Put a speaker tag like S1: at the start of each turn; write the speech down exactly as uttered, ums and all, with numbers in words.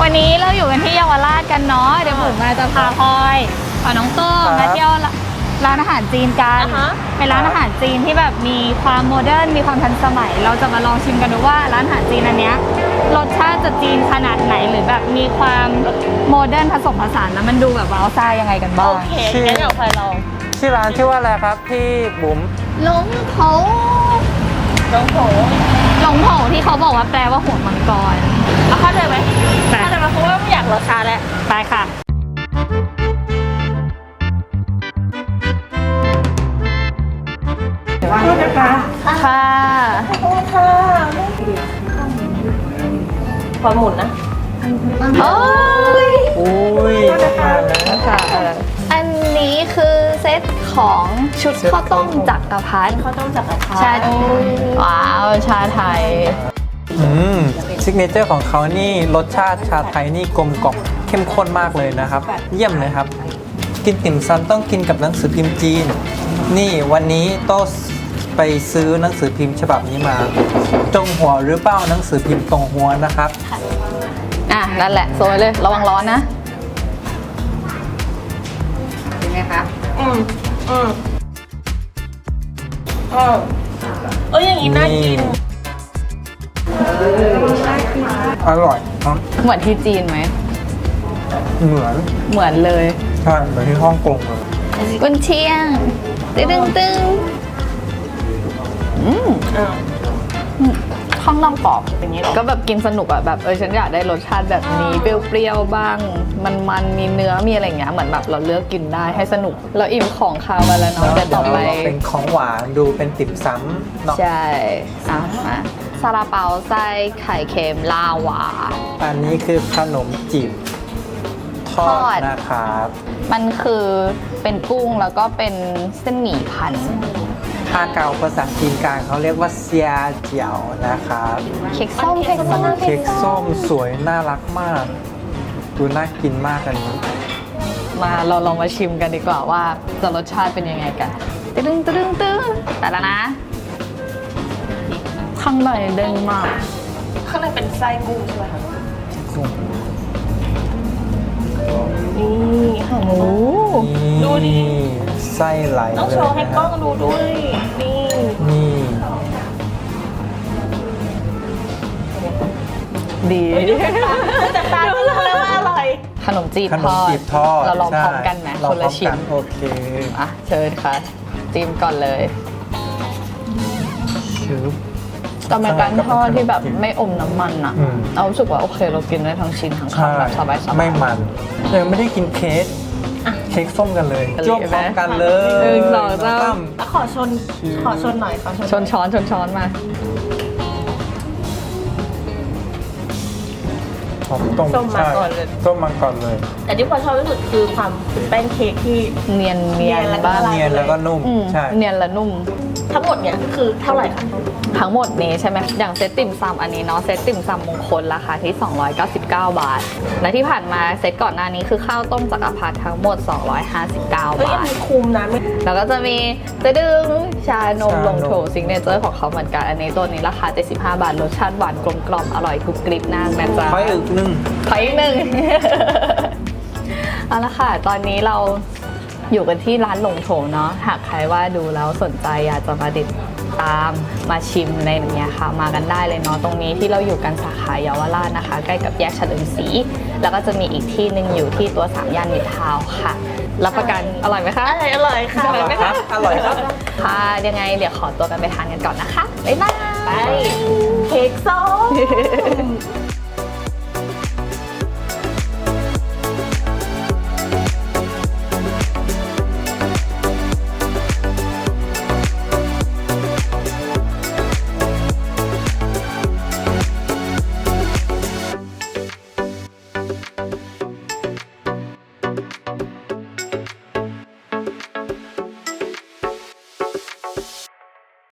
S1: วันนี้เราอยู่กันที่เยาวราชกันเนาะเดี๋ยวผมมาจะพาพลอยพาน้องโต้งมาเที่ยวร้านอาหารจีนกันเป็นร้านอาหารจีนที่แบบมีความโมเดิร์นมีความทันสมัยเราจะมาลองชิมกันดูว่าร้านอาหารจีนอันเนี้ยรสชาติจะจีนขนาดไหนหรือแบบมีความโมเดิร์นผสมผสานแล้วมันดูแบบว้าวซ่ายังไงกันบ้าง
S2: โอเคงั้นเดี๋ยวพลอยลอง
S3: ชื่อร้านชื่อว่าอะไรครับพี่บุ๋ม
S1: หลงโถ
S2: น้องโผ
S1: หลงโถที่เขาบอกว่าแปลว่าหัวมังกร
S2: เอาเข้าใจไหม
S1: ไป
S2: เข้าใจไหมเพราะว่าไม่อยากรอช้าแล้ว
S1: ไปค่ะ
S2: โทษนะคะ
S1: ค่ะ
S2: โทษค่ะพอหมุนนะ
S1: โอ้ย
S3: อุ้ยมาแล้ว
S1: ค่ะอันนี้คือเซตของชุดข้าวต้มจักรพรรดิ
S2: เขาต้องจับกระทะ
S1: ชาว้าวชาไทย
S3: อืมซิกเนเจอร์ของเขานี่รสชาติชาไทยนี่กลมกล่อมเข้มข้นมากเลยนะครับ เยี่ยมเลยครับ กินติ่มซำต้องกินกับหนังสือพิมพ์จีน นี่วันนี้โต้ไปซื้อหนังสือพิมพ์ฉบับนี้มาจงหัวหรือเปล่าหนังสือพิมพ์ตรงหัวนะครับ
S1: อ่ะนั่นแหละโซยเลยระวังร้อนนะเป็นไงคะ
S2: อืมอืมอืมเอ้ยอย่างนี้น่ากิน
S3: อร่อยครับ
S1: เหมือนที่จีนไหม
S3: เหมือน
S1: เหมือนเลย
S3: ใช่เหมือนที่ฮ่องกงเลย
S1: กุนเชียงตึ้งตึ้งตึ้งอืม
S2: อ่า
S1: ข้างนอกกรอบอย่างนี้ก็แบบกินสนุกอะแบบเออฉันอยากได้รสชาติแบบนี้เปรี้ยวๆบ้าง มันๆมีเนื้อมีอะไรอย่างเงี้ยเหมือนแบบเราเลือกกินได้ให้สนุกเราอิ่มของคาวมาแล้วเนาะแต่ต่อไป
S3: เป็นของหวานดูเป็นติ่มซำเนาะ
S1: ใช่อ่ะมาซาลาเปาไส้ไข่เค็มลาวา
S3: อันนี้คือขนมจีบทอ
S1: ทอด
S3: ดนะครับ
S1: มันคือเป็นกุ้งแล้วก็เป็นเส้นหมี่พัน
S3: ถ้าเกาภาษาจีนกลางเขาเรียกว่าเซียเจียวนะครับ
S1: เค้กส้มเค้กส้ม
S3: เค้กส้มสวยน่ารักมาก ดูน่ากินมากอันนี้
S1: มาเราลองมาชิมกันดีกว่าว่าจะรสชาติเป็นยังไงกันตึ้งตึ้งตึ้งแต่ละนะ ข้างในเด้งมาก
S2: ข้างในเป็นไส้กุ้งใช่ไหมคะ
S3: กุ้ง
S2: นี่ค่ะ
S1: โอ้
S2: ดูดิ
S3: ไส้ไหล
S2: ต้อง
S3: เลย
S2: โชว์ให้
S3: นะ
S2: กล้องดูด้วย นี่
S3: นี่
S1: ดี
S2: แต่ตาก็รู้แล้วว่าอร่อย
S1: ขนมจีบ
S3: ขน
S1: ท
S3: ม
S1: อด
S3: จีบทอด
S1: เราลอง
S3: ใช่
S1: พร้อมกันไหม
S3: ลอ
S1: ค
S3: ง
S1: น
S3: พร้
S1: ละ
S3: อม
S1: ชิ้
S3: กัน นโอเค
S1: อ่ะเชิญค่ะจิ้มก่อนเลย
S3: ชืบ
S1: แต่เป็นการทอดที่แบบไม่อมน้ำมันอะ
S3: อืม
S1: เรารู้สึกว่าโอเคเรากินได้ทั้งชิ้นทั้ง
S3: ใช่
S1: คำแบบสบายๆ
S3: ไม่มันยังไม่ได้กินเค้กเค้กส้มกันเลย
S1: กันเลย
S3: จ้วงพร้อมกันเลย
S1: หนึ่งสองสาม
S3: ตั้ม
S2: แล้วขอชน ขอชนหน่อยขอชน
S1: ชนช้อนชนช้อนมา
S3: ผมต้ม
S2: ส้มมา
S3: ใช่
S2: ก่อนเลย
S3: ต้มมาก่อนเลย
S2: แต่ที่พลอยชอบที่สุดคือความเป็นแป้งเค้กที่
S1: เนียนเนียน
S2: เนียนแล้วก็
S1: บ้าง
S2: ละลาย
S3: เนียนแล้วก็นุ่ม
S1: อืม
S3: ใช่
S1: เนียนและนุ่ม
S2: ทั้งหมดเนี่ยคือเท่าไหร่คะ
S1: ทั้งหมดนี้ใช่ไหมอย่างเซตติ่มซำอันนี้เนาะเซตติ่มซำมงคลราคาที่ สองร้อยเก้าสิบเก้า บาท และที่ผ่านมาเซตก่อนหน้านี้คือข้าวต้มจักรพรรดิทั้งหมด สองร้อยห้าสิบเก้า
S2: เฮ้ยอัน
S1: บาท
S2: นี้คุ้มนะไม่
S1: แล้วก็จะมีตะดึงชานมลงโถซิงเนเจอร์ของเขาเหมือนกัน อันนี้ตัวนี้ราคา เจ็ดสิบห้า บาท รสชาติหวานกลมกล่อมอร่อยกรุบกริบมากนะจ๊ะ
S3: ขออีกหนึ่ง
S1: ขออีกหนึ่ง เอาละค่ะ ตอนนี้เราอยู่กันที่ร้านหลงโถเนาะ หากใครว่าดูแล้วสนใจอยากจะมาติดตามมาชิมในอย่างเงี้ยค่ะ มากันได้เลยเนาะ ตรงนี้ที่เราอยู่กันสาขาเยาวราชนะคะ ใกล้กับแยกเฉลิมศรี แล้วก็จะมีอีกที่หนึ่งอยู่ที่ตัวสามย่านมิตรทาวน์ค่ะ รับประกันอร่อยไหมคะ
S2: อร่อยอร่อยค่ะ
S1: อร่อยไหมคะ
S3: อร่อยครับ
S1: ค่ะ ยังไงเดี๋ยวขอตัวกันไปทานกันก่อนนะคะ บ๊ายบาย
S2: ไป เค้กส้ม